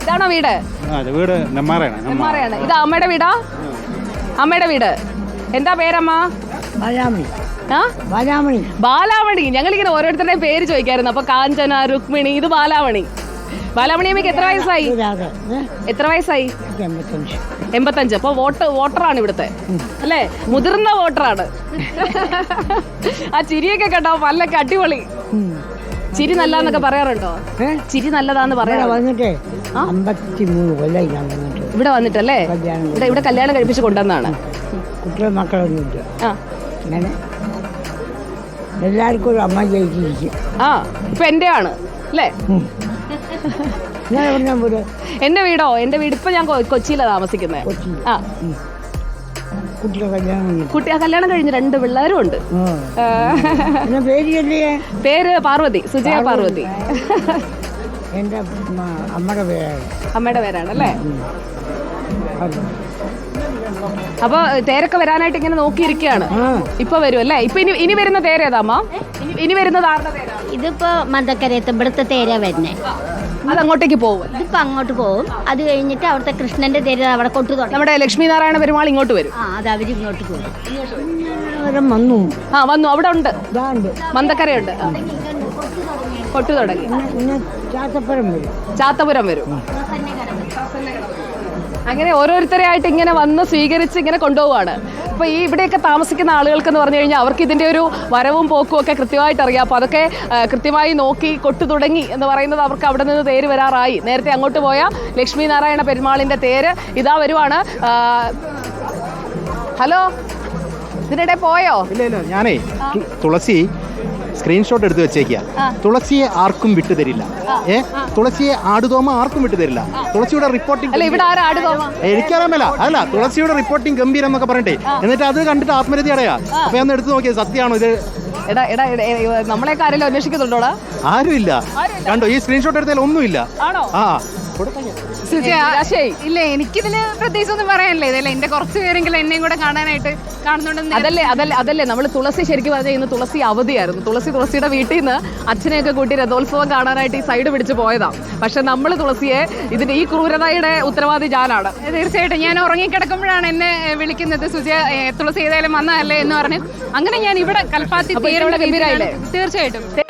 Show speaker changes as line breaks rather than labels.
ഇതാണോ വീട്?
വീട് നെമ്മാറയാണ്.
ഇത് അമ്മയുടെ വീടാ? അമ്മയുടെ വീട്. എന്താ പേരമ്മ? ബാലാമണി. ഞങ്ങളിങ്ങനെ ഓരോരുത്തരുടെയും പേര് ചോദിക്കായിരുന്നു. അപ്പൊ കാഞ്ചന, രുക്മിണി, ഇത് ബാലാമണി. ബാലാമണി അമ്മയ്ക്ക് എത്ര വയസ്സായി? 85. അപ്പൊ വോട്ടറാണ് ഇവിടുത്തെ അല്ലേ? മുതിർന്ന വോട്ടറാണ്. ആ ചിരിയൊക്കെ കേട്ടോ, പല്ലൊക്കെ അടിപൊളി. ചിരി നല്ലതെന്നൊക്കെ പറയാറുണ്ടോ? ചിരി നല്ലതാന്ന് പറയാറുണ്ട്. ഇവിടെ വന്നിട്ടല്ലേ? ഇവിടെ കല്യാണം കഴിപ്പിച്ച് കൊണ്ടുവന്നാണ്.
കുട്ടികളും മക്കളൊന്നുമില്ല. എല്ലാവർക്കും ഒരു അമ്മ ജയിച്ചിരിക്കും.
ഇപ്പൊ എന്റെ ആണ് അല്ലേ? എന്റെ വീടോ? എന്റെ വീട് ഇപ്പൊ ഞാൻ കൊച്ചിയിലാണ് താമസിക്കുന്നത്. കല്യാണം കഴിഞ്ഞ് 2 പിള്ളേരും ഉണ്ട്. പേര് പാർവതി, സുജയ പാർവതി.
എന്റെ
അമ്മയുടെ പേരാണല്ലേ? അപ്പൊ തേരൊക്കെ വരാനായിട്ട് ഇങ്ങനെ നോക്കിയിരിക്കുകയാണ്. ഇപ്പൊ വരും അല്ലേ? ഇപ്പൊ ഇനി വരുന്ന തേര ഏതാ അമ്മ? ഇനി വരുന്നത് ആരുടെ തേരാ?
ഇതിപ്പോ മന്ദക്കരയത്ത് ഇവിടുത്തെ തേര വരുന്നേ.
അത് അങ്ങോട്ടേക്ക് പോകും.
ഇതിപ്പോ അങ്ങോട്ട് പോകും. അത് കഴിഞ്ഞിട്ട് അവിടുത്തെ കൃഷ്ണന്റെ തേര അവിടെ കൊട്ടുതൊടങ്ങും.
നമ്മുടെ ലക്ഷ്മി നാരായണ പെരുമാൾ ഇങ്ങോട്ട് വരും.
അത് അവര് ഇങ്ങോട്ട് പോകും.
വന്നു. അവിടെ ഉണ്ട്, മന്ദക്കരയുണ്ട്. കൊട്ടു തുടങ്ങി. ചാത്തപുരം വരും. അങ്ങനെ ഓരോരുത്തരെയായിട്ട് ഇങ്ങനെ വന്ന് സ്വീകരിച്ച് ഇങ്ങനെ കൊണ്ടുപോവാണ്. അപ്പോൾ ഈ ഇവിടെയൊക്കെ താമസിക്കുന്ന ആളുകൾക്കെന്ന് പറഞ്ഞു കഴിഞ്ഞാൽ അവർക്ക് ഇതിൻ്റെ ഒരു വരവും പോക്കും ഒക്കെ കൃത്യമായിട്ട് അറിയാം. അപ്പോൾ അതൊക്കെ കൃത്യമായി നോക്കി കൊട്ടു തുടങ്ങി എന്ന് പറയുന്നത് അവർക്ക് അവിടെ നിന്ന് തേര് വരാറായി. നേരത്തെ അങ്ങോട്ട് പോയ ലക്ഷ്മി നാരായണ പെരുമാളിൻ്റെ തേര് ഇതാ വരുവാണ്. ഹലോ, ഇതിനിടെ പോയോ?
ഇല്ല, ഞാനേ തുളസി സ്ക്രീൻഷോട്ട് എടുത്ത് വെച്ചേക്കുക. തുളസിയെ ആർക്കും വിട്ടുതരില്ല. തുളസിയെ ആടുതോമ ആർക്കും വിട്ടുതരില്ല. തുളസിയുടെ റിപ്പോർട്ടിംഗ് എനിക്കറിയാമല്ല. അല്ല, തുളസിയുടെ റിപ്പോർട്ടിംഗ് ഗംഭീരം എന്നൊക്കെ പറഞ്ഞിട്ടേ, എന്നിട്ട് അത് കണ്ടിട്ട് ആത്മരതി അടയാ. അപ്പൊ ഞാൻ എടുത്ത് നോക്കിയത് സത്യമാണോ ഇത്?
നമ്മളെ ആരെങ്കിലും അന്വേഷിക്കുന്നുണ്ടോടാ?
ആരുമില്ല. കണ്ടോ, ഈ സ്ക്രീൻഷോട്ട് എടുത്താൽ ഒന്നുമില്ല.
ഇല്ല, എനിക്കിതിന് പ്രത്യേകിച്ച് ഒന്നും പറയാനില്ല. ഇതല്ലേ എന്റെ കുറച്ച് പേരെങ്കിലും എന്നെയും കൂടെ കാണാനായിട്ട് കാണുന്നുണ്ട്.
അതല്ലേ നമ്മൾ തുളസി ശരിക്കും പറഞ്ഞാൽ ഇന്ന് തുളസി അവധിയായിരുന്നു. തുളസിയുടെ വീട്ടിൽ നിന്ന് അച്ഛനെയൊക്കെ കൂട്ടി രഥോത്സവം കാണാനായിട്ട് ഈ സൈഡ് പിടിച്ച് പോയതാ. പക്ഷെ നമ്മൾ തുളസിയെ ഇതിന്റെ ഈ ക്രൂരതയുടെ ഉത്തരവാദി ഞാനാണ്.
തീർച്ചയായിട്ടും ഞാൻ ഉറങ്ങിക്കിടക്കുമ്പോഴാണ് എന്നെ വിളിക്കുന്നത്. സുജയ, തുളസി ഏതായാലും വന്നതല്ലേ എന്ന് പറഞ്ഞു. അങ്ങനെ ഞാൻ ഇവിടെ കൽപ്പാത്തി തീർച്ചയായിട്ടും